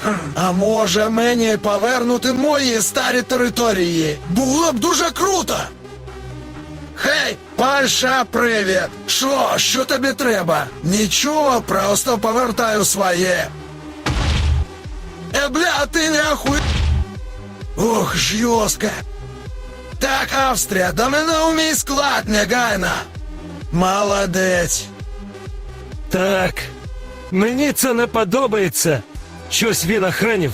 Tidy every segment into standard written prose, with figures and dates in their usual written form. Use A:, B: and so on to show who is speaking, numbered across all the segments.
A: А може мені повернути мої старі території? Було б дуже круто! Хей, Паша, привіт! Що тобі треба? Нічого, просто повертаю своє. Бля, ти не охуй... Ох, жорстко. Так, Австрія, до мене у мій склад негайно. Молодець.
B: Так, мені це не подобається. Щось він охранів.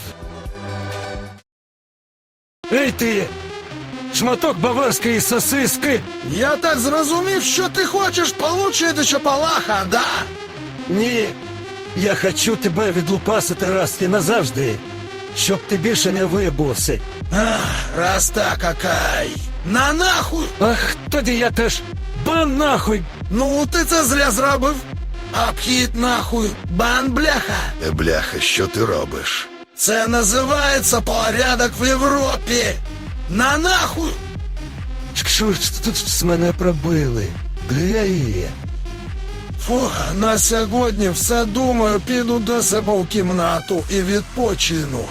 B: Ей ти! Шматок баварської сосиски!
A: Я так зрозумів, що ти хочеш получити чапалаха, да?
B: Ні, я хочу тебе відлупасити раз і назавжди, щоб ти більше не виявився.
A: Раз так, окей. На нахуй!
B: Ах, тоді я теж бан нахуй!
A: Ну, ти це зря зробив. Обхід нахуй, бан бляха.
C: Бляха, що ти робиш?
A: Це називається порядок в Європі. На нахуй!
B: Що ж тут з мене пробили? Гей.
A: Фу, на сьогодні все, думаю, піду до себе в кімнату і відпочину.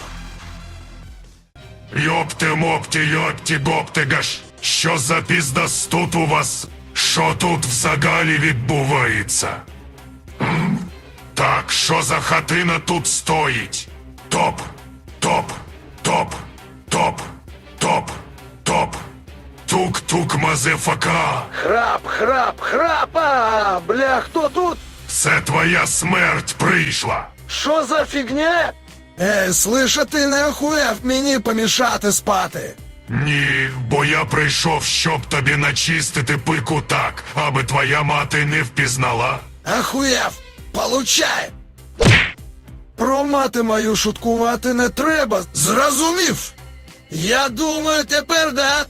D: Йопти-мопті-йопті-гоптигаш. Що за піздас тут у вас? Що тут взагалі відбувається? Так, що за хатина тут стоїть? Топ, топ, топ, топ, топ, топ. Тук-тук, мазефака.
A: Храпа! Бля, хто тут?
D: Це твоя смерть прийшла.
A: Що за фігня? Слиша, ти не охуєв мені помішати спати.
D: Ні, бо я прийшов, щоб тобі начистити пику так, аби твоя мати не впізнала.
A: Ахуєв, получай! Про мати мою шуткувати не треба, зрозумів? Я думаю, тепер да.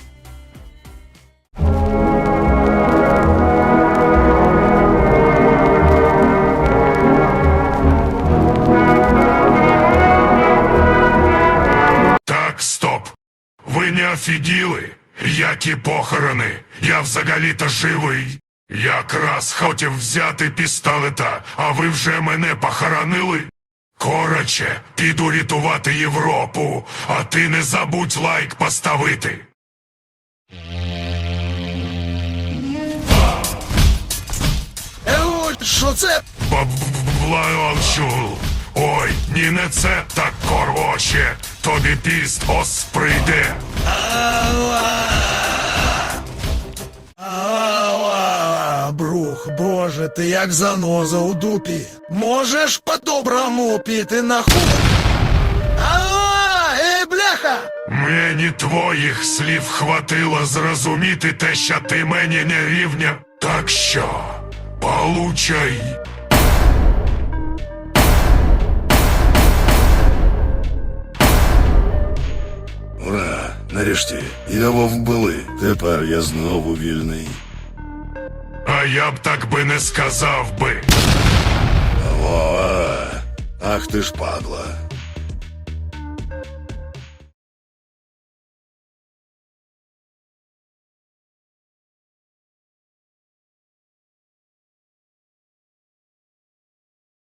D: Так, стоп. Ви не офігіли? Які похорони? Я взагалі-то живий. Якраз хотів взяти пістолета, а ви вже мене похоронили? Короче, піду рятувати Європу, а ти не забудь лайк поставити.
A: Що це?
D: Бланчул. Ой, ні не це, так короче, тобі піст ос прийде.
A: Брух, боже, ти як заноза у дупі. Можеш по-доброму піти нахуй? Ей, бляха!
D: Мені твоїх слів хватило зрозуміти те, що ти мені не рівня. Так що, получай.
C: Ура! Нарешті, його вбили. Тепер я знову вільний.
D: А я б так би не сказав би.
C: Ах ти ж падла.